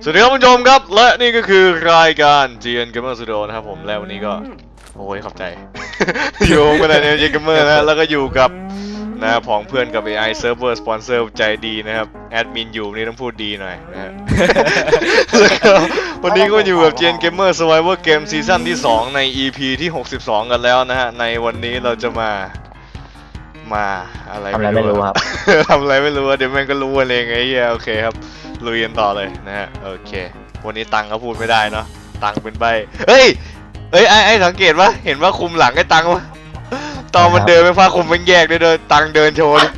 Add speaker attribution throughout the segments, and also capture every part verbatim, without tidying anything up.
Speaker 1: วัสดีครับผู้ชมครับและนี่ก็คือรายการ จี เอ็น Gamer Studio นะครับผมแล้ววันนี้ก็โอ้ยขอบใจ อยู่กันใน จี เอ็น Gamer นะแล้วก็อยู่กับนะผองเพื่อนกับ เอ ไอ Server Sponsor ใจดีนะครับแอดมินอยู่นี่ต้องพูดดีหน่อยนะฮะ แล้วก็วันนี้ก็อยู่กับ จี เอ็น Gamer Survivor Game ซีซั่นที่สองใน อี พี ที่หกสิบสองกันแล้วนะฮะในวันนี้เราจะมามาอะไร
Speaker 2: ทำอะไรไม่รู้ครับ
Speaker 1: ทำอะไรไม่รู้เดี๋ยวแม่งก็รู้เองไอ้เหี้ยโอเคครับลุยกันต่อเลยนะฮะโอเควันนี้ตังก็พูดไม่ได้เนาะตังเป็นใบเฮ้ยเอ้ยไอ้ไอ้สังเกตปะเห็นว่าคุมหลังไอ้ตังวะตอนมันเดินไม่ฟ้าคุมมันแยกด้วยเดินตังเดินโชว์ดิ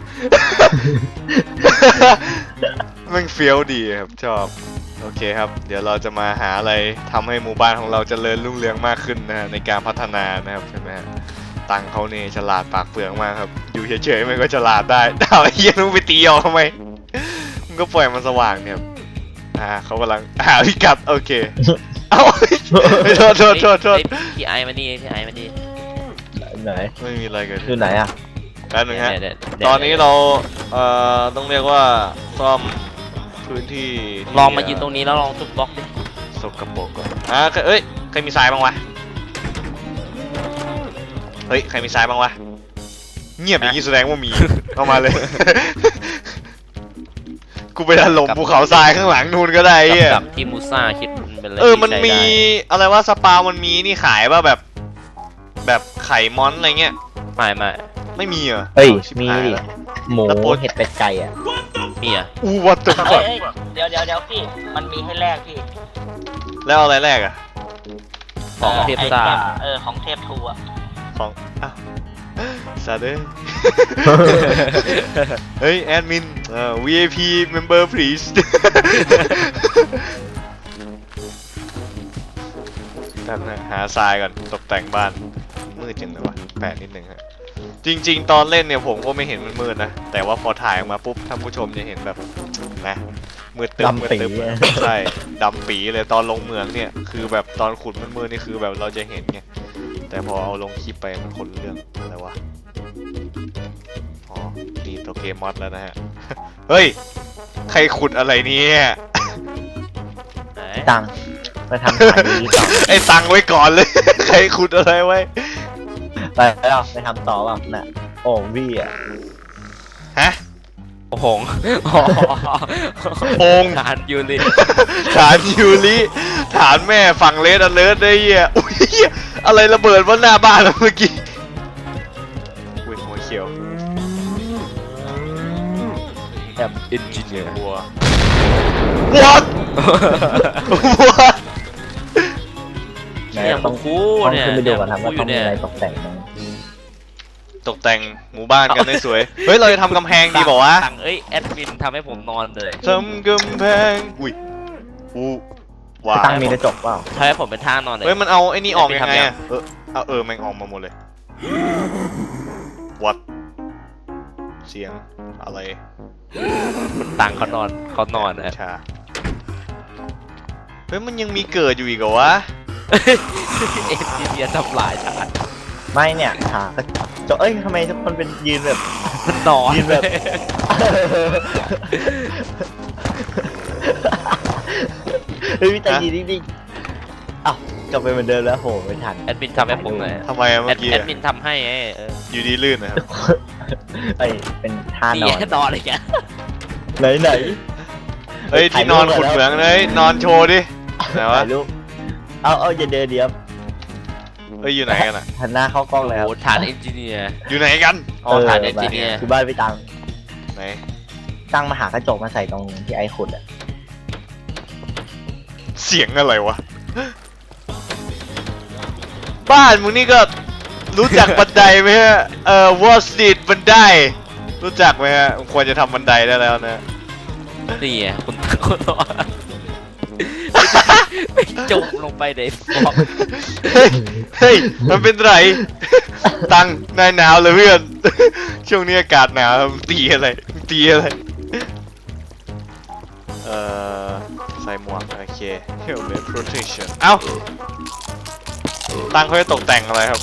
Speaker 1: มันเฟี้ยวดีครับชอบโอเคครับเดี๋ยวเราจะมาหาอะไรทำให้หมู่บ้านของเราเจริญรุ่งเรืองมากขึ้นนะฮะในการพัฒนานะครับใช่ไหมฮะตังเขาเนี่ยฉลาดปากเปลืองมากครับอยู่เฉยๆมันก็ฉลาดได้ดาวไอ้เหี้ยมึงไปตีออกทำไมมึงก็ปล่อยมันสว่างเนี่ยอ่าเขากำลังอ่าพิกัดโอเคเอ้าโทษโทษโทษโทษ
Speaker 3: พี่ไอมาดีพี่ไอมาดี
Speaker 2: ไหน
Speaker 1: ไม่มีอะไรเกิด
Speaker 2: อยู่ไหนอ่ะ
Speaker 1: แป๊บนึงฮะ
Speaker 3: เดี๋ยวเดี๋ยว
Speaker 1: ตอนนี้เราเอ่อต้องเรียกว่าซ่อมพื้นที่ที่
Speaker 3: ลองมายืนตรงนี้แล้วลองทุบบล็อกดิ
Speaker 1: สกปรกก่อนอ่าเอ้ยใครมีทรายบ้างวะเฮ้ยใครมีทรายบ้างวะเงียบอย่างนี้แสดงว่ามีเอามาเลย กูไปถล่มภูเขาทรายข้างหลังนู่นก็ได้ไอ้เหี้ย
Speaker 3: กับที่มูซ่าคิดมันเป็นอะไร
Speaker 1: เออมัน
Speaker 3: ที่
Speaker 1: มี
Speaker 3: ใช้ได้
Speaker 1: อะไรว่าสปามันมีนี่ขายป่ะแบบแบบไข่มอนอะไรเงี้ย
Speaker 3: ไม่ไม่
Speaker 1: ไม่มีเหรอ
Speaker 2: เฮ้ย
Speaker 1: ชิบ
Speaker 2: มี
Speaker 1: หาย
Speaker 2: ดิ
Speaker 1: ละ
Speaker 2: หมู
Speaker 1: แล้วโปร
Speaker 2: เห็ดเป็ดไก่อ่ะ
Speaker 3: มีอ่ะ
Speaker 1: อู้วัตถุ
Speaker 4: เอ้ยเอ้ยเดี๋ยวเดี๋ยวเดี๋ยวพี่ มันมีให้แลกพี่
Speaker 1: แล้วเอาอะไรแรกอะ
Speaker 3: ของเทพซ่า
Speaker 4: ไอมเออ ของเทพทูอะ
Speaker 1: ของอ้าวซาเด้ เฮ้ยแอดมินเอ่อ วี ไอ พี member please แป๊บนะหาทรายก่อนตกแต่งบ้านมืดจังเลยวะแปดนิดหนึ่งฮะจริงๆตอนเล่นเนี่ยผมก็ไม่เห็นมันมืดนะแต่ว่าพอถ่ายออกมาปุ๊บท่านผู้ชมจะเห็นแบบนะมืดตึ๊บมืดตึ๊บใช่ดำปีเลยตอนลงเมืองเนี่ยคือแบบตอนขุดมันมืดนี่คือแบบเราจะเห็นไงแต่พอเอาลงคลิปไปมันคนละเรื่องอะไรวะอ๋อดีตัวเกมมอดแล้วนะฮะ เฮ้ยใครขุดอะไรเนี่ย
Speaker 3: ไหน
Speaker 2: ตังไปทำขายดีต่อ
Speaker 1: ไอ้ตังไว้ก่อนเลย ใครขุดอะไรไว้
Speaker 2: ไปแล้วไปทำต่อแบบน่ะโอ้วี่อ่ะ
Speaker 1: ฮะ
Speaker 3: โอ้โห
Speaker 1: โพง
Speaker 3: ทานยูริ
Speaker 1: ฐานยูริฐานแม่ฝั่งเลสอเลิร์ดได้เหี้ยอุ้ยเหี้ยอะไรระเบิดบนหน้าบ้านเราเมื่อกี้อุ้ยหัวเขียว
Speaker 2: แบบ
Speaker 3: เอนจิเนียร์
Speaker 1: วัว what what
Speaker 2: ไหน
Speaker 3: เนี่ย
Speaker 2: ต้
Speaker 3: ต้
Speaker 2: อ
Speaker 3: อง งกู
Speaker 2: ต้อง
Speaker 3: เนี่ย
Speaker 2: ขึ้นไปดูก่อนครับว่า
Speaker 3: อ
Speaker 2: ต้อง
Speaker 3: ยู่
Speaker 2: มี
Speaker 3: เนี่ย
Speaker 2: อะไรตกแต่งไหม
Speaker 1: ตกแต่งหมู่บ้านกันให้สวย เฮ้ยเราจะทำกำแพงดีบอกว่า
Speaker 3: ตังเอ้ยแอดมินทำให้ผมนอนเลย
Speaker 1: ทำกำแพงอุ้ยอู้ว้า
Speaker 2: ตั้งมีกระจกเปล่า
Speaker 3: ทำให้ผมเป็นท่านอนเลย
Speaker 1: เฮ้ยมันเอาไอ้นี่ออกยังไง
Speaker 3: ทำยัง
Speaker 1: อะเออเอาเออแม่งออกมาหมดเลย what เสียงอะไร
Speaker 3: ตังเขานอนเขานอนนะ
Speaker 1: ชาเฮ้ยมันยังมีเกิดอยู่อีกเหรอวะ
Speaker 3: เอนจิเนียร์ทำลายชาติ
Speaker 2: ไม่เนี่ยหากระจกเอ้ยทำไมทุกคนเป็นยืนแบบ
Speaker 3: มันนอน
Speaker 2: ยืนแบบ เฮ้ยพี่ใจยืนนิ่งๆอ้าวกลับไปเหมือนเดิมแล้วโหไม่ทัน
Speaker 3: แอดมินทำให้ผมหน่อย
Speaker 1: ทำไมอะ
Speaker 3: แอ
Speaker 1: เมื่อ
Speaker 3: ด
Speaker 1: กี้
Speaker 3: แอ
Speaker 1: อะ
Speaker 3: ดมินทำให้ไงเออ
Speaker 1: อยู่ดีลื่นนะครับ
Speaker 2: ไอ้ยเป็นท่าน
Speaker 3: นี่
Speaker 2: อน
Speaker 3: นอนอะไรแก
Speaker 2: ไหนไหน
Speaker 1: เฮ้ยที่นอนขุดเหมืองเลยนอนโชว์ดิไหนวะ
Speaker 2: ถ่ายรูปเอาเอาอย่าเดินเดียว
Speaker 1: เฮ้ยอยู่ไหนกันอะ
Speaker 2: หันหน้าเข้ากล้องเลยครับ
Speaker 3: โอ้ฐานเอนจิเนียร์
Speaker 1: อยู่ไหนกันอ๋อ
Speaker 3: เออ
Speaker 1: ฐาน
Speaker 3: เอนจิเนียร์
Speaker 2: คือบ้านพี่ตัง
Speaker 1: ไหน
Speaker 2: ตั้งมาหากระจกมาใส่ตรงที่ไอ้ขุดอ่ะ
Speaker 1: เสียงอะไรวะบ้านมึงนี่ก็รู้จักบันไดไหมฮะเอ่อ wall street บันไดรู้จักไหมฮะควรจะทำบันไดได้แล้วนะ
Speaker 3: นี่ไงคุณคุณนอนไปจมลงไปในฟอก
Speaker 1: เฮ้ย เฮ้ย มันเป็นไร ตังนายหนาวเลยเพื่อน ช่วงนี้อากาศหนาวตีอะไร ตีอะไร เอ่อ ใส่หมวก โอเค helmet protection เอ้า ตังเขาจะตกแต่งอะไรครับ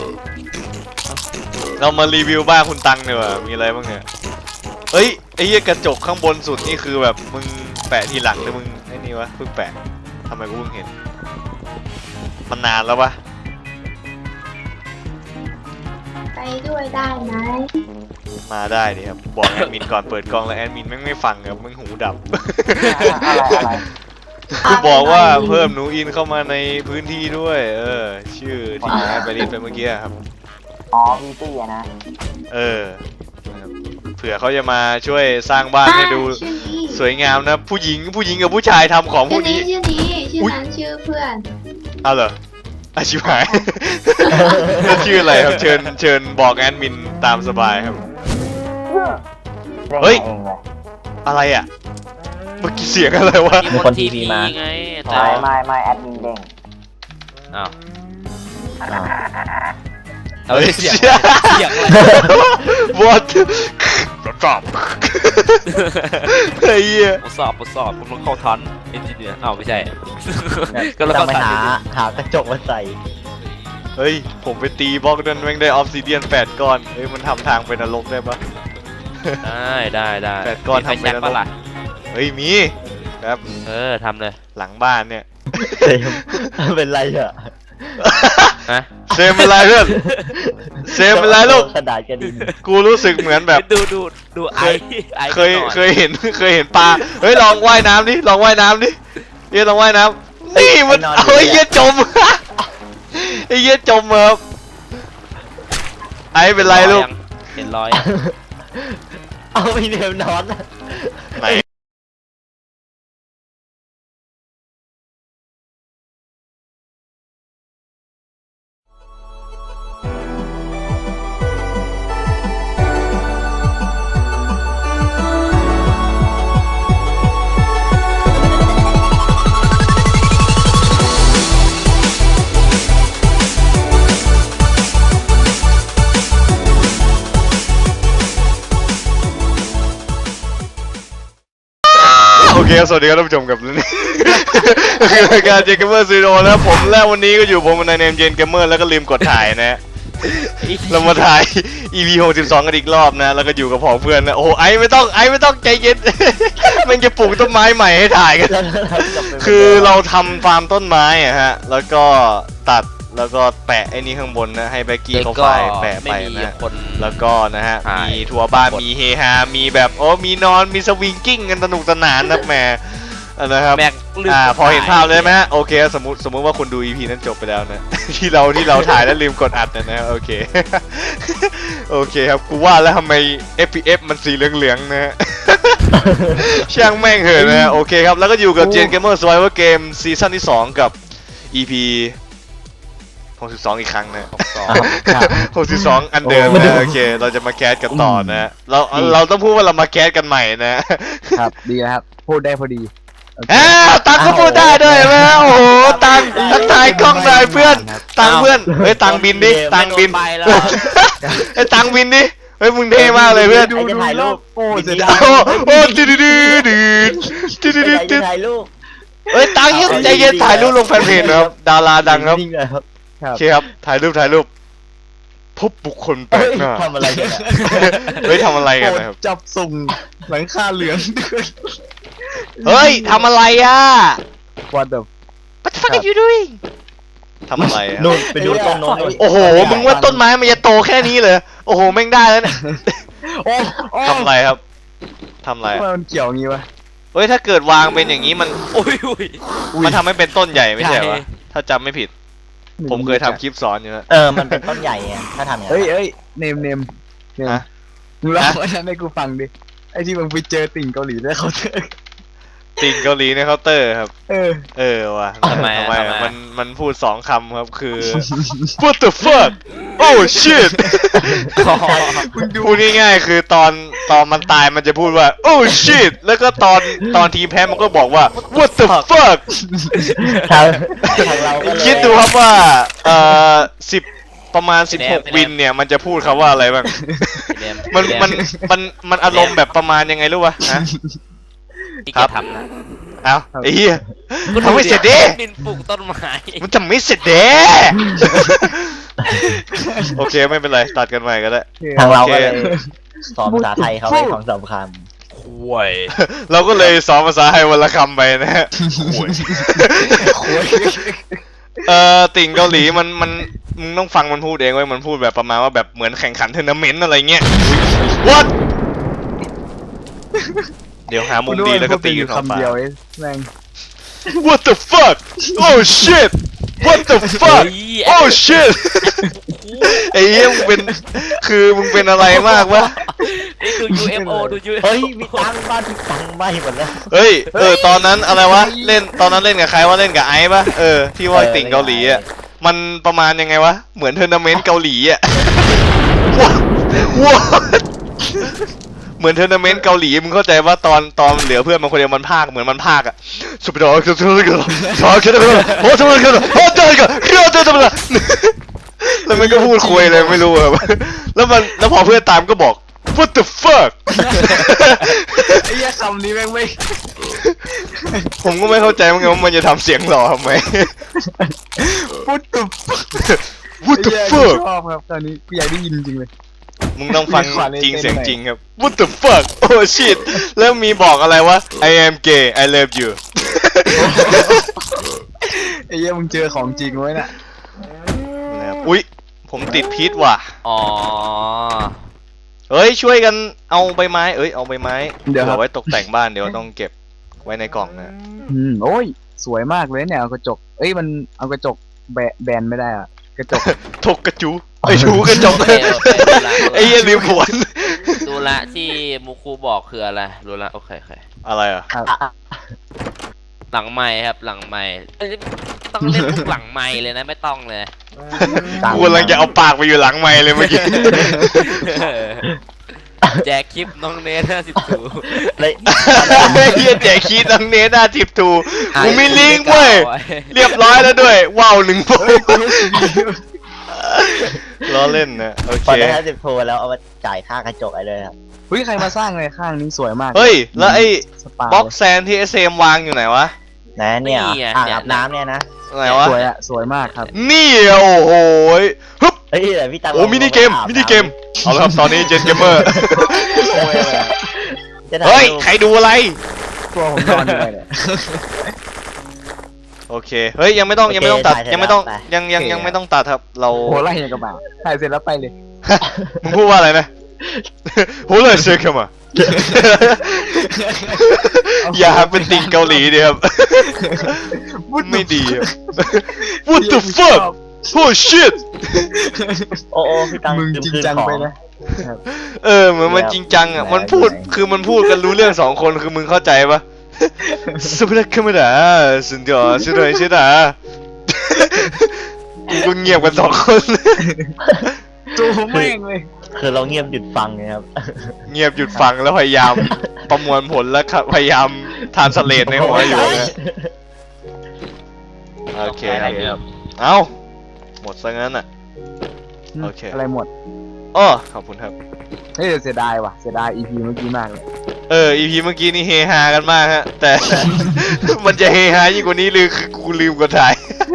Speaker 1: เรามารีวิวบ้านคุณตังดีกว่ามีอะไรบ้างเนี่ยเฮ้ย ไอ้เหี้ยกระจกข้างบนสุดนี่คือแบบมึงแปะทีหลังหรือมึงไอ้นี่วะวะเพิ่งแปะทำไมกูเพิ่งเห็นมันนานแล้ววะ
Speaker 5: ไปด้วยได้ไหม
Speaker 1: มาได้ดิครับบอกแอดมินก่อนเปิดกล้องแล้วแอดมินแม่งไม่ฟังครับแม่งหูดับ
Speaker 6: อะไรอะไร
Speaker 1: กูบอกว่าเพิ่มหนูอินเข้ามาในพื้นที่ด้วย เออ ชื่อที่แอดไปรีดไปเมื่อกี้ครับ
Speaker 6: อ๋อวีตี้อะนะ
Speaker 1: เออนะครับเผื่อเขาจะมาช่วยสร้างบ้านให้ดู
Speaker 5: อ่าชื่อนี้
Speaker 1: สวยงามนะ ผู้หญิงผู้หญิงกับผู้ชายทำของพ
Speaker 5: ชื่
Speaker 1: ว
Speaker 5: อก นี้
Speaker 1: นี้
Speaker 5: ชื่อนี้ชื่อ
Speaker 1: อุ๊ย
Speaker 5: นั้นชื่อเพื่อน
Speaker 1: เอาเหรออาชิบหาย แล้วชื่ออะไรครับเชิญเชิญบอกแอดมินตามสบายครับ เฮ้ย
Speaker 6: เองเลย
Speaker 1: อะไรอ่ะเมื่อกี้เสียงอะไรวะ
Speaker 3: มีคนทีพีไง
Speaker 1: อ๋อ
Speaker 3: แต่
Speaker 6: ไม่ไม่ไม่แอดมินเด้ง
Speaker 3: อ้าว
Speaker 2: อ้าว
Speaker 3: เอาเสียงเสียงอะไร
Speaker 1: what จอบเฮ้ย
Speaker 3: ทดสอบทดสอบกำลังเข้าทันเอนจิเนียร์อ้าวไม่ใช่ ก็แล้ว
Speaker 2: ต้
Speaker 3: ก็
Speaker 2: องไป
Speaker 3: ทัน
Speaker 2: หาหากระจกมาใส่
Speaker 1: เฮ้ย ผมไปตีบล็อกนั้นแม่งได้ออฟซิเดียนแปดก้อน เฮ้ย มันทำทางไปนรกได้ปะ
Speaker 3: ได้ได้ได้
Speaker 1: แปดก้อน
Speaker 3: มีไฟ
Speaker 1: ทำไป
Speaker 3: แช็ก
Speaker 1: แล้ว
Speaker 3: ปะล่ะ
Speaker 1: เฮ้ย มีครับ
Speaker 3: เออทำเลย
Speaker 1: หลังบ้านเนี่ย
Speaker 2: เซมเป็นไรอ่ะ
Speaker 3: ฮะ
Speaker 1: เซมเป็นไรเพื่อน เซมเป็นไรลูก
Speaker 2: กระดาษกระดิน
Speaker 1: กูรู้สึกเหมือนแบบ
Speaker 3: ดูดูดูไอ
Speaker 1: เคย
Speaker 3: ไอ
Speaker 1: เคยเคยเห็นเคยเห็นปลา เฮ้ย ลองว่ายน้ำดิ ลองว่ายน้ำดิเฮ้ยลองว่ายน้ำนี่มันเอาไอ้เหี้ยจม ไอ้เหี้ยจมครับไอ้เป็นไรลูก
Speaker 3: เห็นรอย
Speaker 2: เอาไปเนมนอนอะ
Speaker 1: ไหน โอเคครับสวัสดีครับท่านผู้ชมกับนี่ คือรายการเจนเกมเมอร์ซีโร่นะครับผมและวันนี้ก็อยู่ผมในเนมเจนเกมเมอร์แล้วก็ลืมกดถ่ายนะฮะเรามาถ่าย อี พี หกสิบสองกันอีกรอบนะแล้วก็อยู่กับผองเพื่อนนะโอ้ไอไม่ต้องไอไม่ต้องใจเย็น มันจะปลูกต้นไม้ใหม่ให้ถ่ายกัน
Speaker 2: แล้วเรากลับไป
Speaker 1: คือเราทำฟาร์มต้นไม้อะฮะแล้วก็ตัดแล้วก็แปะไอ้นี่ข้างบนนะให้แบ็กกี้เขาไฟล์แปะไป
Speaker 3: ไม่มี
Speaker 1: นะ
Speaker 3: คน
Speaker 1: แล้วก็นะฮะ
Speaker 3: ถ่าย
Speaker 1: มีทัวร์บ้านมีเฮฮา มีแบบโอ้มีนอนมีสวิงกิ้งกันสนุกสนานนะแหมนะครับ
Speaker 3: แม็กลืม
Speaker 1: อ่าก
Speaker 3: ด
Speaker 1: พอเห็น
Speaker 3: ถ่ย
Speaker 1: ภาพเลยไหมฮะโอเคสมมติสมมติว่าคุณดู อี พี นั้นจบไปแล้วนะ ที่เราที่เราถ่ายแล้วลืมกดอัดนะนะโอเค โอเคครับกูว่าแล้วทำไม เอฟ พี เอฟ มันสีเหลืองๆนะฮ ะ ช่างแม่งเหอะนะฮะโอเคครับแล้วก็อยู่กับ Gen Gamer Survivor Game ซีซั่นที่สองกับ อี พี หกสิบสองอีกครั้งนะ
Speaker 2: อ้าวครับ
Speaker 1: หกสิบสองอันเดิม
Speaker 2: โอ้
Speaker 1: นะโอเค เราจะมาแคสกันต่อนะ เราเราต้องพูดว่าเรามาแคสกันใหม่นะ
Speaker 7: ครับดีนะครับ พูดได้พอดีโอเค
Speaker 1: อ้าวตังก็พูดได้ด้วยไหมโอ้โหตังทักทายกล้องหน่อยเพื่อน ตังเพื่อนเฮ้ยตังบินดิตังบิน
Speaker 3: ไปแล้ว
Speaker 1: ไอ้ยตังบินดิเฮ้ยมึงเท่มากเลยเพื่อน
Speaker 2: ใครจะถ่ายรูป
Speaker 7: โอ้เสียดา
Speaker 1: โอ้
Speaker 7: ย
Speaker 1: โอ้ดืดดืดดืดดืดดืด
Speaker 2: ใคร
Speaker 1: ดื
Speaker 2: จะ
Speaker 1: ด
Speaker 2: ถ่ายรูป
Speaker 1: เฮ้ยตังเย็นใจเย็นถ่ายรูปลงแฟนเพจนะครับดาราดังครับ
Speaker 2: นิ่ๆเลยครับ
Speaker 1: โอเคครับถ่ายรูปถ่ายรูปพบบุคคลแปล
Speaker 2: เฮ้
Speaker 1: ก
Speaker 2: ย
Speaker 1: หน้า
Speaker 2: ทำอะไรกันอะ
Speaker 1: เฮ้ยทำอะไรกันนะครับ
Speaker 7: จับส่งหลังคาเหลือง
Speaker 1: เฮ้ยทำอะไรอ่ะ
Speaker 7: What the
Speaker 1: What the fuck are you doing ทำอะไรอะ
Speaker 2: นู่นไปดูต้นโน้นนู่น
Speaker 1: โอ้โห มึงว่าต้นไม้มันจะโตแค่นี้เลย โอ้โห แม่งได้แล้วเนี่ย
Speaker 7: โอ้โอ้
Speaker 1: ทำอะไรครับ ทำอะไร
Speaker 7: ทำไม
Speaker 1: อะ
Speaker 7: มันเกี่ยวงี้วะ
Speaker 1: เฮ้ย ถ้าเกิดวางเป็นอย่างนี้มัน
Speaker 3: โอ้ยอุ้ย
Speaker 1: มันทำให้เป็นต้นใหญ่ไม่ใช่เหรอ
Speaker 3: ใหญ่
Speaker 1: วะถ้าจำไม่ผิด ผมเคยทำคลิปสอนอยู่นะ
Speaker 2: เออมันเป็นต้นใหญ่ไงถ้าทำอย่าง
Speaker 7: เอ้ย
Speaker 2: นั้น
Speaker 7: เอ้ยเนมเนมเนม
Speaker 1: ฮะ
Speaker 7: มึงเล่าไว้นั้นให้กูฟังดิ ไอ้ที่มึงไปเจอติ่งเกาหลีแล้วเขาเจอ
Speaker 1: ติ่งเกาหลีในเคาน์เตอร์ครับ
Speaker 7: เออ
Speaker 1: เออว่ะ
Speaker 3: ทำไมอะ
Speaker 1: ทำไม
Speaker 3: ทำไม
Speaker 1: อะ
Speaker 3: อะ
Speaker 1: มันมันพูดสองคำครับคือ what the fuck oh shit พูดง่ายๆคือตอนตอนมันตายมันจะพูดว่า oh shit แล้วก็ตอนตอนทีมแพ้มันก็บอกว่า what the fuck
Speaker 2: ทางทางเราก็เลย
Speaker 1: คิดดูครับว่าเอ่อสิบประมาณสิบหก
Speaker 3: พี่แนม
Speaker 1: วินเนี่ยมันจะพูดคำว่าอะไรบ้าง มันมันมันมันอารมณ์แบบประมาณยังไงรู้ป่ะฮะ
Speaker 3: ที่
Speaker 1: ครั
Speaker 3: แก
Speaker 1: บ
Speaker 3: ทำนะ
Speaker 1: เอ้าไอ้เหี้ย ทำไม่เสร็จดิ
Speaker 3: นินปลูกต้นไม้
Speaker 1: มันจะไม่เสร็จเด้ โอเคไม่เป็นไรตัดกันใหม่ก็ได้
Speaker 2: ทางเราก็
Speaker 1: โอเค
Speaker 2: เลยสอนภาษาไทยเขาไว้ของสำคัญ
Speaker 3: คห่วย
Speaker 1: เราก็เลยสอนภาษาไทยวันละคำไปนะฮะห่วย
Speaker 7: โอ้ย
Speaker 1: เออติ่งเกาหลีมันมันมึงต้องฟังมันพูดเองเว้ยมันพูดแบบประมาณว่าแบบเหมือนแข่งขันทัวร์นาเมนต์อะไรเงี้ย What เดี๋ยวหามุมดีแล้วก็ตีกัน
Speaker 7: คำ
Speaker 1: คำ
Speaker 7: เดียวเองแม่ง
Speaker 1: What the fuck Oh shit What the fuck
Speaker 3: เฮ้ย
Speaker 1: Oh shit ไอ้เหี้ยมึงเป็นคือมึงเป็นอะไรมากวะ
Speaker 3: นี่ดู ยู เอฟ โอ ดู ยู เอฟ โอ
Speaker 2: เฮ้ยมีตังค์บ้านมีตังค์ไหมหมดแล้ว
Speaker 1: เฮ้ยเออตอนนั้นอะไรวะเล่นตอนนั้นเล่นกับใครว่าเล่นกับไอซ์ปะเออที่ว่าติ่งเกาหลีอ่ะมันประมาณยังไงวะเหมือนทัวร์นาเมนต์เกาหลีอ่ะ ว้าเหมือนทัวร์นาเมนต์เกาหลีมึงเข้าใจว่าตอนตอนเหลือเพื่อนมันคนเดียวมันพากเหมือนมันพากอ่ะสุดยอดสุดยอดสุดยอดชอบกันเลยโอ้ทำไมกันโอ้เจอกันเรื่องเจอทำไมล่ะแล้วมันก็พูดคุยเลยไม่รู้อะแล้วมันแล้วพอเพื่อนตามก็บอก what the fuck
Speaker 7: ไอ้เหี้ยคำนี้แม่งไม่
Speaker 1: ผมก็ไม่เข้าใจเหมือนกันว่ามันจะทำเสียงหล่อทำไม
Speaker 7: พูดตุบ
Speaker 1: what the
Speaker 7: ไอ้เหี้ย
Speaker 1: fuck
Speaker 7: ชอบครับตอนนี้กูอยากได้ยินจริงเลย
Speaker 1: มึงต้องฟัง
Speaker 7: มีความใน
Speaker 1: จริง
Speaker 7: เต้น
Speaker 1: เสียง
Speaker 7: หน่อย
Speaker 1: จริงครับ what the fuck oh shit แล้วมีบอกอะไรวะ I am gay I love you
Speaker 7: ไอ้เหี้ยมึงเจอของจริงไว้น่ะ
Speaker 1: นะครับอุ๊ยผมติดพิษว่ะ
Speaker 3: อ๋อ
Speaker 1: เฮ้ยช่วยกันเอาใบไม้เอ้ยเอาใบไม้
Speaker 7: เดี๋ยวครับ
Speaker 1: ไว้ตกแต่งบ้านเดี๋ยวต้องเก็บไว้ในกล่องนะ
Speaker 7: อืมโอ้ยสวยมากเลยเนี่ยเอากระจกเอ้ยมันเอากระจกแบะแบนไม่ได้อะกระจก
Speaker 1: ทกกระจูไอ้ชูกระจก
Speaker 3: โอเคโอเคดูละ
Speaker 1: ไอ้เหี้ยลืมผวน
Speaker 3: ดูละที่มูคูบอกคืออะไรรู้ละโอเคโอเค
Speaker 1: อะไรอ่ะ
Speaker 7: ครับ
Speaker 3: หลังไม้ครับหลังไม้เอ้ยต้องเล่นทุกหลังไม้เลยนะไม่ต้องเลย
Speaker 1: กูกำลังจะเอาปากไปอยู่หลังไม้เลยเมื่อกี้
Speaker 3: แจกคลิปน้องเนทห้าสิบถู
Speaker 2: เลย
Speaker 1: เฮียแจกคีดน้องเนสหน้าทิปทูกูมีลิงก์เว้ยเรียบร้อยแล้วด้วยว้าวหนึ่งโปล้อเล่นนะโอ
Speaker 2: พอ
Speaker 1: เค
Speaker 2: ได้ห้าสิบโพลแล้วเอามาจ่ายค่ากระจกไอ้เลยครับ
Speaker 7: เฮ้ยใครมาสร้างเลยข้างนี้สวยมาก
Speaker 1: เฮ้ยแล้วไอ้
Speaker 7: สปา
Speaker 1: บ็อกแซนที่เอสเอ็มวางอยู่ไหนวะ
Speaker 2: นะเนี่ยอ่างอาบน้ำเนี่ยนะ
Speaker 1: ไหนวะ
Speaker 7: สวยอะสวยมากครับ
Speaker 1: นี่อ่ะโอ้โหยฮึบ
Speaker 2: เฮ้ยแต่พี่ตังค์
Speaker 1: โอ้มินิเกมมินิเกมเอาละครับตอนนี้เจนเกมเมอร์
Speaker 7: โอ้ยเลยอะ
Speaker 2: จะถ่า
Speaker 1: เฮ้ย
Speaker 2: รูป
Speaker 1: ใครดูอะไร
Speaker 7: ตัวผมนอนอยู่เลยเนี่ย
Speaker 1: โอเคเฮ้ยยังไม่ต้องยังไม่ต้องตัดยังไม่ต้องยังยังยังไม่ต้องตัดครับเรา
Speaker 7: โหไล่ยังกับหมาถ่ายเสร็จแล้วไปเลย
Speaker 1: มึงพูดว่าอะไรนะ โหเลยเชื่อเข้ามา อย่าเป็นติ่งเกาหลีเดียวครับ ไม่ดีครับ What the fuck Oh shit
Speaker 2: โอ้โอ้พี่ตังค์
Speaker 7: มึง
Speaker 2: ลื
Speaker 7: จริง
Speaker 2: คืน
Speaker 7: จัง
Speaker 2: ของ
Speaker 7: ไปนะ
Speaker 1: เออเหมือนมันจริงจังอ่ะมันพูดคือมันพูดกันรู้เรื่องสองคนคือมึงเข้าใจปะ สุดยอดขึ้นมาด่าสุดยอดสุดยอดสุดยอดกูก็เงียบกันสองคน
Speaker 7: ตัวแม่งเลย
Speaker 2: คือเราเงียบหยุดฟังไงครับ
Speaker 1: เงียบหยุดฟังแล้วพยายามประมวลผลแล้วครับพยายามทานสเลตในหัวอยู่นะโอเคครับเอ้าหมดซะงั้นอ่ะ โอเค
Speaker 7: อะไรหมด
Speaker 1: อ้อขอบคุณครับ
Speaker 7: เฮ้ยเสียดายว่ะเสียดาย อี พี เมื่อกี้มากเลย
Speaker 1: เออ อี พี เมื่อกี้นี่เฮฮากันมากฮะ แต่ มันจะเฮฮายิ่งกว่านี้หรือคือกูลืมกดถ่าย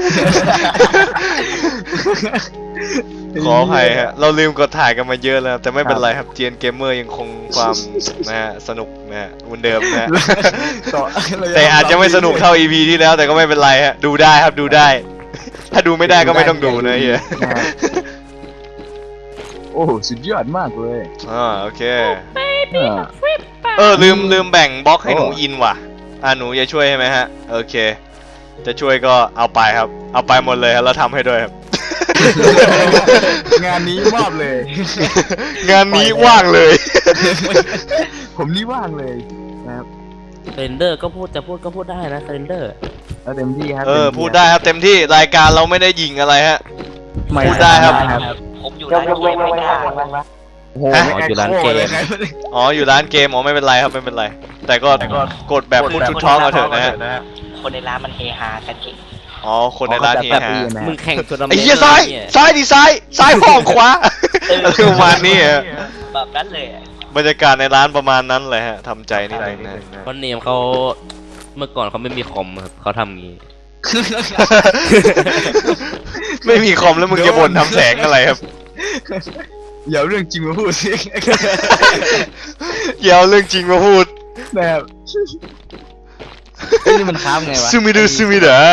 Speaker 1: ขออภัยฮะ เราลืมกดถ่ายกันมาเยอะแล้ว แต่ไม่เป็นไรครับเจียนเกมเมอร์ยังคงความนะฮะสนุกนะฮะเหมือนเดิมนะฮะ
Speaker 7: ต่อ
Speaker 1: แต่อาจจะไม่สนุกเท่า อี พี ที่แล้วแต่ก็ไม่เป็นไรฮะ ดูได้ครับดูได้ ถ้าดูไม่ได้ก็ไม่ต้องดูนะเฮีย
Speaker 7: โอ้โหสุดยอดมากเลย
Speaker 1: อ่าโอเค
Speaker 7: เออ
Speaker 1: เออลืมลืมแบ่งบล็อกให้หนูอินว่ะ อ่าหนูจะช่วยใช่ไหมฮะ โอเค จะช่วยก็เอาไปครับ เอาไปหมดเลยครับแล้วทำให้ด้วยครับ
Speaker 7: งานนี้มอบเลย
Speaker 1: งานนี้ว่างเลย
Speaker 7: ผมนี่ว่างเลยนะครับ
Speaker 3: เรนเดอร์ก็พูดจะพูดก็พูดได้นะเรนเดอร์
Speaker 7: แล้วเต็มที่ครับ
Speaker 1: เออ
Speaker 7: ต็มที่
Speaker 1: พูดได้ครับเต็มที่รายการเราไม่ได้ยิงอะไรฮะ
Speaker 7: ไม่
Speaker 1: พูดได้ครับ
Speaker 4: ผมอยู่
Speaker 6: ย
Speaker 4: ร้าก น
Speaker 6: ยก
Speaker 4: เก
Speaker 6: เว้น
Speaker 4: ม
Speaker 6: ยก
Speaker 4: ไม่
Speaker 6: เว้น
Speaker 4: ได้
Speaker 6: ยกเว้นวะ
Speaker 7: โอ้โห
Speaker 1: ฮะ
Speaker 7: ไม่
Speaker 3: อยู่ร้านเกม
Speaker 7: เลยครับ
Speaker 1: อ๋ออยู่ร้านเกมอ๋อไม่เป็นไรครับไม่เป็นไร แต่ก็กดแบบพูดชุดท้องเอาเถอะนะฮะ
Speaker 4: คนในร้านมันเฮฮากันจริง
Speaker 1: อ๋อคนในร้านเฮฮา
Speaker 3: มึงแข่งทัวร์นาเมนต์
Speaker 1: ไอ้เหี้ยซ้ายซ้ายดิซ้ายซ้ายห้องขวาอะไรประมาณนี้ฮะ
Speaker 4: แบบนั้นเลยอะ
Speaker 1: บรรยากาศในร้านประมาณนั้นเลยฮะทำใจนิดนึงนะ
Speaker 3: เพราะเนมเขาเมื่อก่อนเขาไม่มีคอมครับเขาทำงี้
Speaker 1: ไม่มีคอมแล้วมึงจะบ่นทำแสงอะไรครับ
Speaker 7: อย่าเอาเรื่องจริงมาพูดสิ
Speaker 1: อย่าเอาเรื่องจริงมาพูด
Speaker 7: แบบเอ้ยนี่มันค้ามไงวะ
Speaker 1: ซูมิดูซูมิดา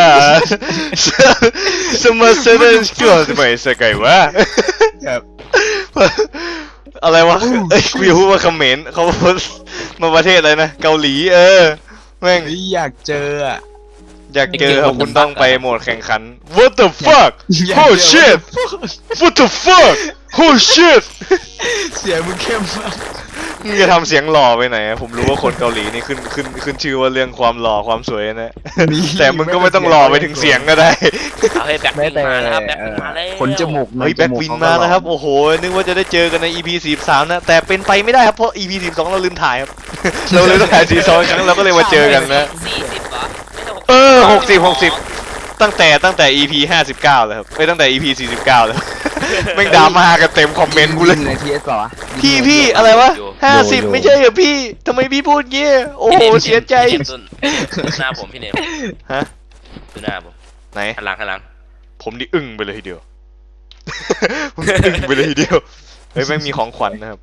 Speaker 1: สมาเซเดนก็ไม่ใช่ไงวะ
Speaker 7: แบบ
Speaker 1: อะไรวะเอ้ยกูอยากพูดว่าเขมรเขาพูดมาประเทศอะไรนะเกาหลีเออแม่ง
Speaker 7: เฮ้ยอยากเจออ่ะ
Speaker 1: อยากเจอครับคุณต้องไปโหมดแข่งขัน What the fuck
Speaker 7: อยาก
Speaker 1: Oh
Speaker 7: เจอ
Speaker 1: shit What the fuck Oh shit
Speaker 7: เสียงมึงเข้มมาก
Speaker 1: มึงจะทำเสียงหล่อไปไหนอะผมรู้ว่าคนเกาหลีนี่ขึ้นขึ้นขึ้นชื่อว่าเรื่องความหล่อความสวยนะ แต่มึงก็ไม่ต้องหล่อไปถึงเสียงก็ได้
Speaker 3: เอาให้แบ็ค
Speaker 7: แม้
Speaker 3: วิง
Speaker 7: แต่
Speaker 3: มาแล้วครับแบ็ควิงมาแล้ว
Speaker 7: ขนจมูกหน่อ
Speaker 1: เฮ้ยแบ็ควินมาแล้วครับ โอ้โห นึกว่าจะได้เจอกันใน อี พี สี่สิบสามนะ แต่เป็นไปไม่ได้ครับ เพราะ อี พี สี่สิบสองเราลืมถ่ายครับ เราเลยต้องถ่ายสี่สิบสองครั้งเราก็เลยมาเจอกันนะ
Speaker 3: สี่สิบเหรอไม่ใช่หกสิบ
Speaker 1: เออหกสิบหกสิบตั้งแต่ตั้งแต่ อี พี ห้าสิบเก้าเลยครับไม่ตั้งแต่ อี พี สี่สิบเก้าเลยแม่งดราม่ากันเต็มคอมเมนต์กูเลย
Speaker 7: ในทีเอสป่าวะ
Speaker 1: พี่พี่อะไรวะห้าสิบไม่ใช่เหรอพี่ทำไมพี่พูดเงี้ยโอ้โหเสียใจ
Speaker 3: พี่เนมดูหน้าผมพี่เนม
Speaker 1: ฮะ
Speaker 3: ดูหน้าผม
Speaker 1: ไหน
Speaker 3: หันหลังหันหลัง
Speaker 1: ผมนี่อึ้งไปเลยทีเดียว ผมอึ้งไปเลยทีเดียวเฮ้ยแม่งมีของขวัญนะครับ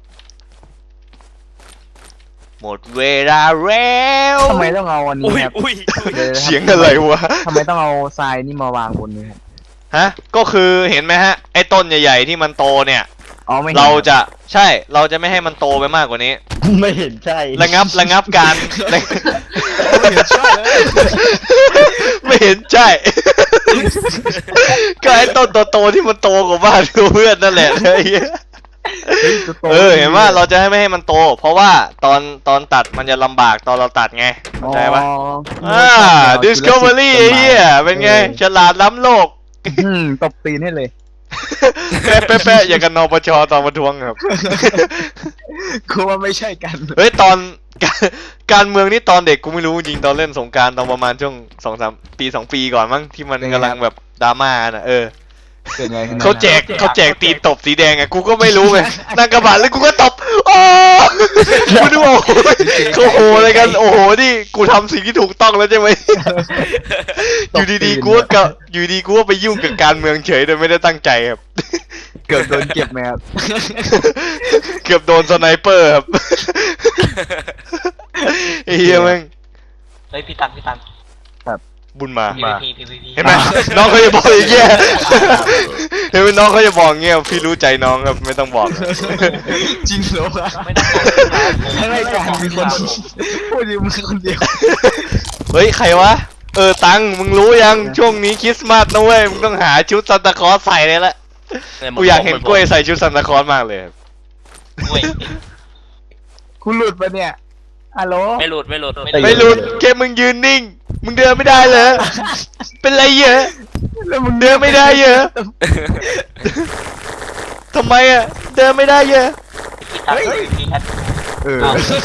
Speaker 1: หมดเวลาแล้ว
Speaker 7: ทำไมต้องเอาอันนี้
Speaker 3: อุ้ย
Speaker 7: ครับ
Speaker 3: อุ้ย
Speaker 7: ดี๋วนะครับ
Speaker 1: เสียงอะไรวะ
Speaker 7: ทำไมต้องเอาทรายนี่มาวางบนนี้ครับ
Speaker 1: ฮะก็คือเห็นไหมฮะไอ้ต้นใหญ่ๆที่มันโตเนี่ย
Speaker 7: อ๋อไม่ห็น
Speaker 1: เราจะใช่เราจะไม่ให้มันโตไปมากกว่านี้
Speaker 2: ไม่เห็นใช่
Speaker 1: ระงับระงับการ
Speaker 7: ไม่เห็นใช่เลย
Speaker 1: ไม่เห็นใช่ ก็ไอ้ต้นโตๆที่มันโตกว่าบ้านเพื่อนนั่นแหละไอ้เหี้ย
Speaker 7: ฮ้ยตัวโต
Speaker 1: เออเห็นว่าเราจะให้ไม่ให้มันโต เพราะว่าตอนตอนตัดมันจะลำบากตอนเราตัดไงเข้าใจปะ
Speaker 7: อ๋อ
Speaker 1: อ่า Discovery ไอ้เหี้ยเป็นไงฉลาดล้ำโลก
Speaker 7: อืมตบตีนให้เลย
Speaker 1: แปะแปะแปะอย่างกันนปชตอนประท้วงครับ
Speaker 7: กูว่าไม่ใช่กัน
Speaker 1: เฮ้ยตอน การการเมืองนี่ตอนเด็กกูไม่รู้จริงตอนเล่นสงกรารตอนประมาณช่วงสองสามปีสองปีก่อนมั้งที่มัน
Speaker 7: เป็นไง
Speaker 1: กำลังแบบดราม่าน่ะเออ
Speaker 7: เกิดไงขึ้น
Speaker 1: เขาแจกเขาแจกตีนตบสีแดงไงกูก็ไม่รู้ไงนั่งกระบะแล้วกูก็ตบโอ้กูดูโอ้โหเขาโหอะไรกันโอ้โหนี่กูทำสิ่งที่ถูกต้องแล้วใช่ไหมอยู่ดีๆกูก็กับอยู่ดีกูก็ไปยุ่งกับการเมืองเฉยโดยไม่ได้ตั้งใจครับ
Speaker 7: เกิดโดนเก็บไหมครับ
Speaker 1: เกือบโดนสไนเปอร์ครับไอ้เหี้ยแม่ง
Speaker 4: เฮ้ยพี่ตันพี่ตัน
Speaker 1: บุญมา
Speaker 4: พีวีพีพีวีพี
Speaker 1: เห็นไหมน้องเขาจะบอกอย่างเงี้ยเห็นไหมน้องเขาจะบอกอย่างเงี้ยพี่รู้ใจน้องครับไม่ต้องบอก
Speaker 7: จริงเหรอวะ
Speaker 4: ไม่ต้องบอก
Speaker 7: ทั้งรายการมีคนพูดอยู่มึงคนเดียว
Speaker 1: เฮ้ยใครวะเออตังมึงรู้ยังช่วงนี้คริสต์มาสนะเว้ยมึงต้องหาชุดซานตาคลอสใส่เลยละกูอยากเห็นกล้วยใส่ชุดซานตาคลอสมากเลยครับ
Speaker 4: กล้วย
Speaker 7: คุณหลุดปะเนี่ยฮัลโหล
Speaker 3: ไม่หลุดไม่หลุด
Speaker 1: ไม่รู้แค่มึงยืนนิ่งมึงเดินไม่ได้เลยเป็นไรเยอะ
Speaker 7: แล้วมึง
Speaker 1: เดินไม่ได้เยอะทำไมอ่ะเดินไม่ได้เยอะ
Speaker 4: พี่ตันพีพีแอด
Speaker 7: เออ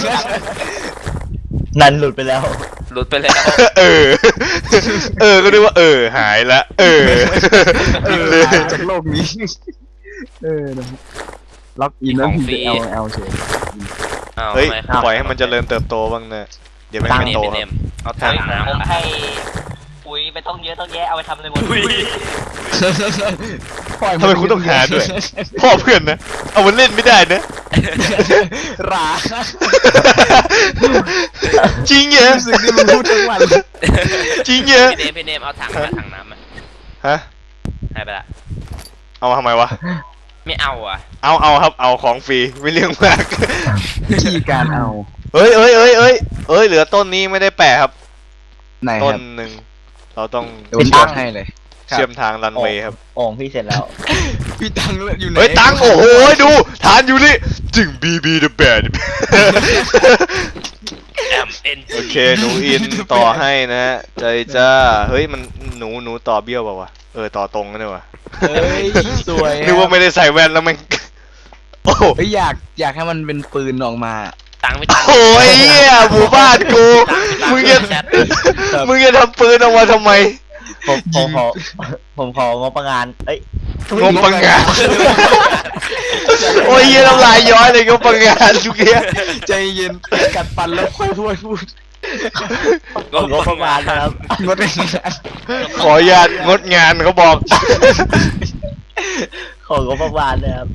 Speaker 2: นันหลุดไปแล้ว
Speaker 3: หลุดไปแล้ว
Speaker 1: เออ เออ ก็นึกว่าเออ หายละ เออ
Speaker 7: เอ
Speaker 1: ปิด
Speaker 7: อ
Speaker 1: เลย
Speaker 7: หายจากโลกนี้ เออนะครับล็อกอินแล้วพิมพ์ L L เฉย
Speaker 3: อ้าว
Speaker 1: เฮ้ย
Speaker 3: ทำไม
Speaker 1: ปล่อยให้มันเจริญเติบโตบ้างนะเดี๋ยวมัน
Speaker 3: พี่
Speaker 1: ไม่
Speaker 3: เนม
Speaker 1: โต
Speaker 3: พี่
Speaker 1: ค
Speaker 3: เน
Speaker 1: รับ
Speaker 3: มเอาถังน้ำ
Speaker 4: ผมให้ปุ๋ยไปต้องเยอะต้องแยะเอาไปทำอะไรหมด
Speaker 7: ปล่อย
Speaker 1: ทำไมคุณต้องหาด้วย พ่อเพื่อนนะ เอามันเล่นไม่ได้นะ
Speaker 7: รา
Speaker 1: จริงเหรอ
Speaker 7: สิ่งที่มึงพูดทั้งวัน
Speaker 1: จริงเหรอ
Speaker 3: พี่เนมพี่เนมเอาถังมาถังน้ำมา
Speaker 1: ฮะ
Speaker 3: ให้ไปละ
Speaker 1: เอามาทำไมวะ
Speaker 3: ไม่เอาอ่ะ
Speaker 1: เอาเอาครับ เอาของฟรี ไม่เรื่องมาก
Speaker 7: วิธีการเอา
Speaker 1: เฮ้ยเฮ้ยเฮ้ยเฮ้ยเฮ้ย เหลือต้นนี้ไม่ได้แปะครับ
Speaker 7: ไหนค
Speaker 1: ต้น
Speaker 7: รับ
Speaker 1: หนึ่ง เราต้อง
Speaker 7: เดี๋ยวผมตั้งให้เลย
Speaker 1: เชื่อมทางรันเวย์ครับ
Speaker 2: โอ่งพี่เสร็จแล้ว
Speaker 7: พี่ตังอยู่ไหน
Speaker 1: เฮ้ย ตังโอ้โหดู ฐานอยู่นี่จึงบีบีเดอะแบด
Speaker 3: แอมเอ็น
Speaker 1: โอเค หนูอินต่อให้นะ ใจจ้า เฮ้ย มันหนูหนูต่อเบี้ยวเปล่าวะ เออ ต่อตรงกันเนี่ยวะ
Speaker 7: เฮ้ยสวย
Speaker 1: นึกว่าไม่ได้ใส่แว่นแล้วมันโอ้โห
Speaker 7: เฮ้ยอยากอยากให้มันเป็นปืนออกมา
Speaker 3: ตังค์ไม่ตังค์
Speaker 1: โอ้ยเหี้ยหมู่บ้านกู
Speaker 3: ตังค์
Speaker 1: มึง
Speaker 3: ไม่
Speaker 1: จะ
Speaker 3: ตังค์แชท
Speaker 1: มึงจะทำปืนออกมาทำไม
Speaker 2: ผมผมขอผมของบประงานเอ้ย
Speaker 1: งมปังงาน โอ้ยเหี้ยน้ำลายย้อยเลยงมปังงานทุกเนี้ย
Speaker 7: ใจเย็นกัดฟันแล้วค่อยพูดพูด
Speaker 2: ของงบประมาณนะครับ
Speaker 7: งดเลยนะ
Speaker 1: ขออนุญาตงดงานเขาบอก
Speaker 2: ของงบประมาณนะครับ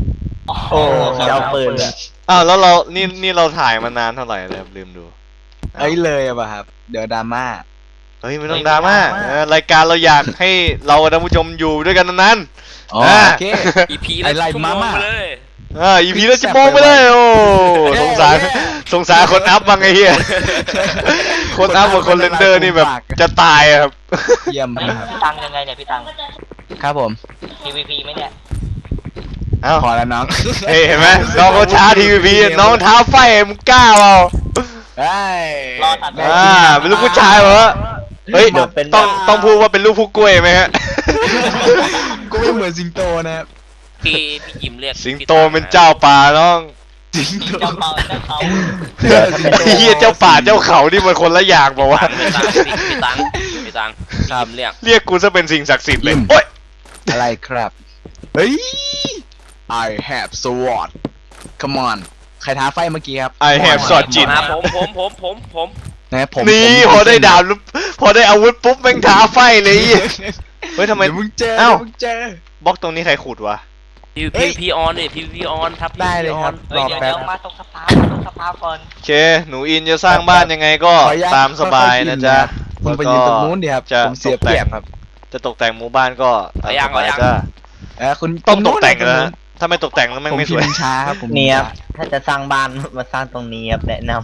Speaker 2: โอ้เจ้าปืนอะ
Speaker 1: อ้าวแล้วเรานี่นี่เราถ่ายมานานเท่าไหร่แล้วครับลืมดู
Speaker 7: เอ้ยเลยอะป่ะครับ เดี๋ยวดราม่า
Speaker 1: เฮ้ยไม่ต้องดราม่าเออรายการเราอยากให้เรากับท่านผู้ชมอยู่ด้วยกันนาน
Speaker 7: อ๋อ
Speaker 1: อ่า
Speaker 7: โอเค
Speaker 3: อีพี
Speaker 7: ไอ้
Speaker 3: ละ
Speaker 7: ไล่
Speaker 3: ชั่วโม
Speaker 7: มาง ม่า
Speaker 3: ไปเลย
Speaker 1: ๆอ่าอีพีละจะโมงไปเลยโอ้สงสารสงสารคนอัพบ้างไอ้เหี้ยคนอัพกับคนเรนเดอร์นี่แบบจะตายอะครับ
Speaker 7: เยี่ยม
Speaker 4: พี่
Speaker 7: ครับ
Speaker 4: ตังยังไงเนี่ยพี่ตัง
Speaker 7: ครับผม
Speaker 4: ทีวีพีไหมเนี่ย
Speaker 1: เอ้า
Speaker 7: พอแล้วน้อง
Speaker 1: เฮ้ยเห็นไหมน้องเขาช้าทีวีพีน้องเท้าไฟมึงกล้าเปล่า
Speaker 7: เฮ้ย
Speaker 4: รอตัด
Speaker 1: อ่าเป็นลูกผู้ชายเหรอเฮ้ยต้องต้องพูดว่าเป็นลูกผู้กล้วยไหมฮะ
Speaker 7: กูไม่เหมือนสิงโตนะครับ
Speaker 3: พี่พี่ยิมเรียก
Speaker 1: สิงโตเป็นเจ้าป่าน้อง
Speaker 7: สิงโต
Speaker 4: เจ้าเป่าเจ้าเขา
Speaker 2: เสือถ้าเป็น
Speaker 1: ไอ้เหี้ยเจ้าป่าเจ้าเขานี่มันคนละอย่างบอกว่า
Speaker 3: พี่ตังพี่ตังพี่ตังพี่ยิมเรียก
Speaker 1: เรียกกูซะเป็นสิ่งศักดิ์สิทธิ์เลย
Speaker 7: อืม
Speaker 1: โอ๊ย
Speaker 7: อะไรครับ เฮ้ย I have sword come on ใครท้าไฟเมื่อกี้ครับ
Speaker 1: I have sword จิต
Speaker 3: มาผมผมผมผมผม
Speaker 7: นะผม
Speaker 1: นี่
Speaker 7: ผม
Speaker 1: พอได้ดาบแล้วพอได้อาวุธปุ๊บแม่งท้าไฟเลยไอ้เหี้ยเฮ้ยทำไม
Speaker 7: เดี๋ยวมึงเจอ
Speaker 1: เอ้า
Speaker 7: เดี๋ยวมึงเจอบ
Speaker 1: ล็อกตรงนี้ใครขุดวะ
Speaker 3: พี
Speaker 7: เฮ้
Speaker 3: พี
Speaker 7: ย
Speaker 3: พีออนเนี่ยพีพีออนทับ
Speaker 7: ได้เลยครับ
Speaker 4: เฮ้ยเดี๋ยว
Speaker 7: รอแป๊บ
Speaker 4: เดี๋ยวมาตรงสปาตรงสปาก่อน
Speaker 1: โอเค หนูอินจะสร้างบ้านยังไงก็
Speaker 7: ขออนุญาต
Speaker 1: ตามสบายนะจ๊ะ
Speaker 7: คุณไปยืนตรงนู้นดิครับ
Speaker 1: จะ
Speaker 7: ผมเสียเปรียบครับ
Speaker 1: จะตกแต่งหมู่บ้านก็ตามสบายจ้ะ
Speaker 7: เออคุณ
Speaker 1: ต้องตกแต่ง
Speaker 7: ตรงนู้
Speaker 1: นะ
Speaker 7: น
Speaker 1: ถ้าไม่ตกแต่งแล้วแม่ง
Speaker 7: ผม
Speaker 1: ไม่ส
Speaker 7: พิ
Speaker 1: วย
Speaker 7: มพ์ช้าครับผม
Speaker 2: เนี่ยครับถ้าจะสร้างบ้านมาสร้างตรงนี้ครับแนะน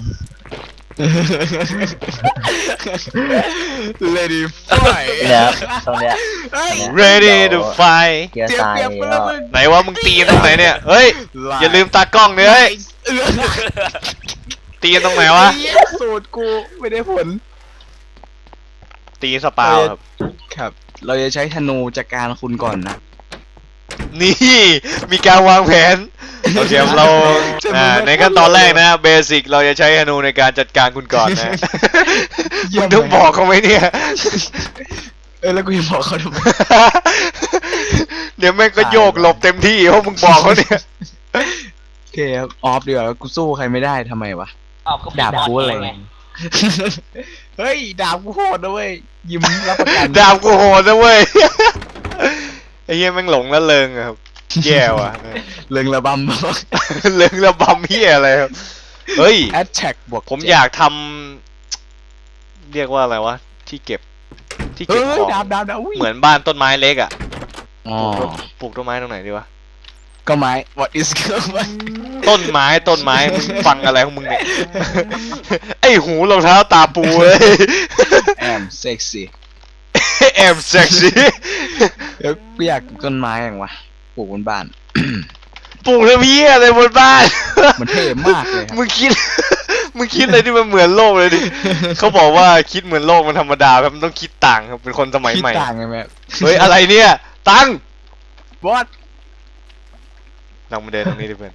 Speaker 7: เลดี้ไฟ
Speaker 2: ำเนี่ยครับตรงเนี้ย
Speaker 7: เฮ้ย
Speaker 1: ready to fight
Speaker 2: เกียร์
Speaker 7: เสีย
Speaker 2: ทราย
Speaker 7: เปรียบไป
Speaker 2: ก็
Speaker 7: แล้วมึง
Speaker 1: ไหนว่ามึงตีกันตรงไหนเนี่ย เฮ้ย อย่าลืมตากล้องเนื้อย
Speaker 7: เออ
Speaker 1: ตีกันตรงไหนวะ
Speaker 7: เหี้ยสูตรกูไม่ได้ผล
Speaker 1: ตีสปาวครับ
Speaker 7: ครับ เราจะใช้ธนูจัดการคุณก่อนนะ
Speaker 1: นี่ มีการวางแผน โอเคครับเราอ่าในขั้นตอนแรกนะเบสิกเราจะใช้ธนูในการจัดการคุณก่อนนะ
Speaker 7: เยี่ย
Speaker 1: มึ
Speaker 7: ม
Speaker 1: งต้องบอกเขาไหมเนี่ย
Speaker 7: เออแล้วกูจะบอกเขาทำไม
Speaker 1: เดี๋ยวแม่งก็โยกหลบเต็มที่เพราะมึงบอกเขาเนี่ย
Speaker 7: โอเคครับออฟเดี๋ยวากูสู้ใครไม่ได้ทำไมวะ
Speaker 4: อ้าวก็
Speaker 7: ดาบกูอะไร
Speaker 4: ไง
Speaker 7: เฮ้ยดาบกูโหดนะเว้ยยิ้มรับประกัน
Speaker 1: ดาบกูโหดนะเว้ย ไอ้เหี้ยแม่งหลงละเริงอะครับ แย่ว่ะ
Speaker 7: เริงระบำบอก
Speaker 1: เริงระบำเหี้ยอะไรครับ เฮ้ย
Speaker 7: แอดแท็กบวก
Speaker 1: ผมอยากทำเรียกว่าอะไรวะ ที่เก็บ ที่
Speaker 7: เฮ้
Speaker 1: เก็บ
Speaker 7: ย
Speaker 1: ของ
Speaker 7: ดาบดาบดาบอุ้ย
Speaker 1: เหมือนบ้านต้นไม้เล็กอ่ะ
Speaker 7: อ๋อ
Speaker 1: ปลูกต้นไม้ตรงไหนดีวะ
Speaker 7: ก็ไม้ what is ก็ไม้
Speaker 1: ต้นไม้ต้นไม้มึงฟังอะไรของมึงเนี่ย ไอหูรองเท้าตาปูเลย
Speaker 7: แอมเซ็กซี่
Speaker 1: แอมเซ็กซี่
Speaker 7: เดี๋ยวกูอยากปลูกต้นไม้อย่างวะปลูกบนบ้าน
Speaker 1: ปลูกแล้วพี่อะไรบนบ้าน
Speaker 7: มันเท่มากเลยครับ
Speaker 1: มึงคิด มึงคิดอะไรที่มันเหมือนโลกเลยดิ เขาบอกว่าคิดเหมือนโลกมันธรรมดาครับมันต้องคิดต่างครับเป็นคนสมัย
Speaker 7: คิด
Speaker 1: ใหม่
Speaker 7: ต่างไงแม่
Speaker 1: เฮ้ยอะไรเนี่ย ตัง
Speaker 7: what
Speaker 1: ลองมาเดินตรงนี้ดิเพื่อน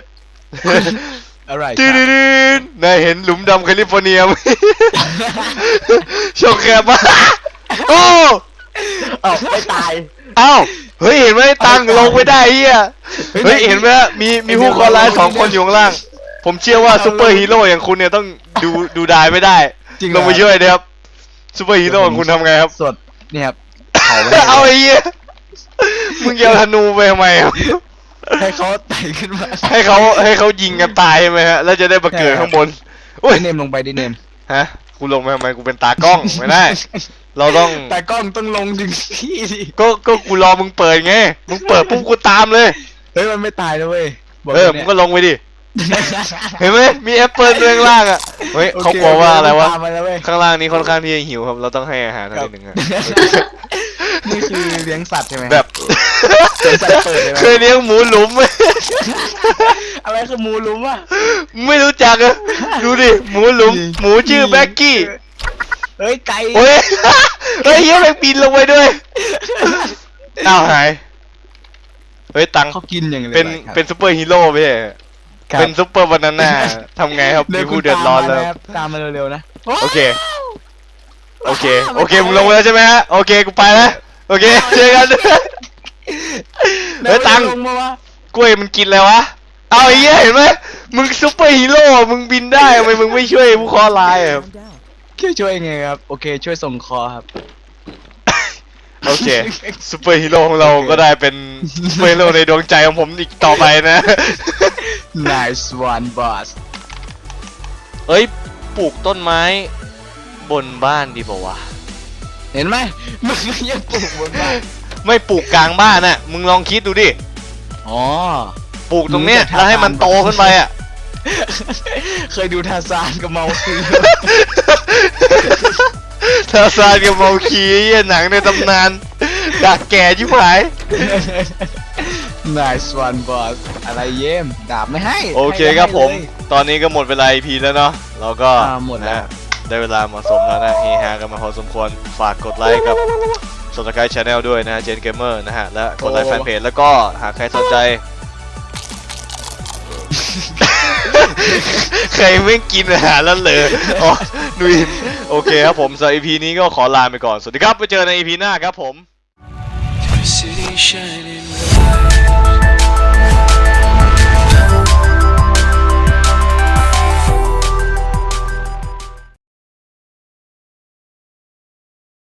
Speaker 7: อะไรค
Speaker 1: จื
Speaker 7: รับ
Speaker 1: ดๆนายเห็นหลุมดำแคลิฟอร์เนียไหม โชคแคบมากโอ้
Speaker 2: เอ้าไม่ตาย
Speaker 1: เอ้าเฮ้ยเห็นไหมตังลงไม่ได้เฮียเฮ้ยเห็นไหมมีมีผู้เคอร้ายสองคนอยู่ข้างล่าง ผมเชื่อว่าซูเปอร์ฮีโร่อย่างคุณเนี่ยต้องดูดูดายไม่ได้
Speaker 7: จริง
Speaker 1: ลงมาช่วยเด้ครับซูเปอร์ฮีโร่ของคุณทำไงครับ
Speaker 7: สดเนี่ยครับเผาไว้
Speaker 1: เอาไอ้เหี้ยมึงจะเอาธนูไปทำไมครับ
Speaker 7: ให้เขาไต่ขึ้นมา
Speaker 1: ให้เขาให้เขายิงกันตายใช่ไหมฮะแล้วจะได้มาเกิดข้างบนโอ้ย
Speaker 7: ดิเนมลงไปดิเนม
Speaker 1: ฮะกูลงไปทำไมกูเป็นตากล้องไม่ได้ เราต้อง
Speaker 7: แต่กล้องต้องลงถึงที่ดิ
Speaker 1: ก็ก็กูรอมึงเปิดไงมึงเปิดปุ๊บกูตามเลย
Speaker 7: เฮ้ยมันไม่ตายนะเว้ยบ
Speaker 1: เออ
Speaker 7: ล
Speaker 1: มึ
Speaker 7: ย
Speaker 1: ง
Speaker 7: นี่ย
Speaker 1: ก็ลงไปดิ เห็นไหมมีแอปเปิลเรื่องล่างอ่ะเฮ้ย
Speaker 7: โอค
Speaker 1: เขาบอกว่าอะไรวะ
Speaker 7: ตามมาแล้วเว้ย
Speaker 1: ข้างล่างนี้ค่อนข้างที่จะหิวครับ เราต้องให้อาหาร
Speaker 7: ครั
Speaker 1: เขา
Speaker 7: บ
Speaker 1: นิดนึงอะ
Speaker 7: นี่คือเลี้ยงสัตว์ใช่ไหม
Speaker 1: แบบ
Speaker 7: สวนสัตว์เปิดใช่ไหม
Speaker 1: เคยเลี้ยงหมูหลุมไหม
Speaker 7: อะไรคือหมูหลุมวะ
Speaker 1: ไม่รู้จักอะดูดิหมูหลุม หมูชื่อแบ็กกี้
Speaker 7: เฮ้ยไก่
Speaker 1: โอ้ย เฮ้ยเหี้ยแม่งบินลงไปด้วยอ้าวหายเฮ้ยตัง
Speaker 7: เขากินอย่างไร
Speaker 1: เป็น
Speaker 7: ครับ
Speaker 1: เป็นซูเปอร์ฮีโร่ไปเหรอ
Speaker 7: ครับ
Speaker 1: เป็นซูเปอร์บานาน่าทำไงครับ
Speaker 7: ดี๋
Speaker 1: มี
Speaker 7: ยว
Speaker 1: ผู้
Speaker 7: คุณ
Speaker 1: เดือดร้อนแล้ว
Speaker 7: ตามมาะคบตามมาเร็วๆนะ
Speaker 1: โอเค โอเค โอเค มึงลงไปแล้วใช่ไหมฮะ โอเค กูไปแล้ว โอเค เจอกัน เฮ้ยตัง
Speaker 7: ลงมาวะ
Speaker 1: กล้วยมันกินอะไรวะ เอาไอ้เหี้ยเห็นไหมมึงซูเปอร์ฮีโร่มึงบินได้ทำไมมึงไม่ช่วยผู้เคอร้ายอะครับ
Speaker 7: ช่วยช่วยไงครับโอเคช่วยส่งคอครับ
Speaker 1: โอเคซูเปอร์ฮีโร่ของเราก็ได้เป็นซูเปอร์ฮีโร่ในดวงใจของผมอีกต่อไปนะ
Speaker 7: nice one boss
Speaker 1: เอ้ยปลูกต้นไม้บนบ้านดีป่าวะ
Speaker 7: เห็นไหมมึงยังปลูกบนบ้าน
Speaker 1: ไม่ปลูกกลางบ้านน่ะมึงลองคิดดูดิ
Speaker 7: อ๋อ
Speaker 1: ปลูกตรงเนี้ย
Speaker 7: มึงจะทำ
Speaker 1: แล้วให้มันโตขึ้นไปอ่ะ
Speaker 7: เคยดูทาซานกับเมาคี
Speaker 1: ทาซานกับเมาคีเหี้ยหนังในตำนานดักแก่ชิบหาย
Speaker 7: nice one boss อะไรเยี่ยมดาบไม่ให้
Speaker 1: โอเค
Speaker 7: ให้
Speaker 1: ครับผม
Speaker 7: ให้เลย
Speaker 1: ตอนนี้ก็หมดเวลา อี พี แล้วเนาะเราก็
Speaker 7: อ่าหมดแล้ว
Speaker 1: นะได้เวลาเหมาะสมแล้วนะเฮฮากันมาพอสมควรฝากกดไลค์กับ Subscribe Channel ด้วยนะเจนเกมเมอร์นะฮะและกดไลค์แฟนเพจแล้วก็หากใครสนใจ ใครไม่กินอาหารแล้วเลยอ๋อนุยโอเคครับผมสำหรับ อี พี นี้ก็ขอลาไปก่อน สวัสดีครับไปเจอใน อี พี หน้าครับผม
Speaker 8: City shining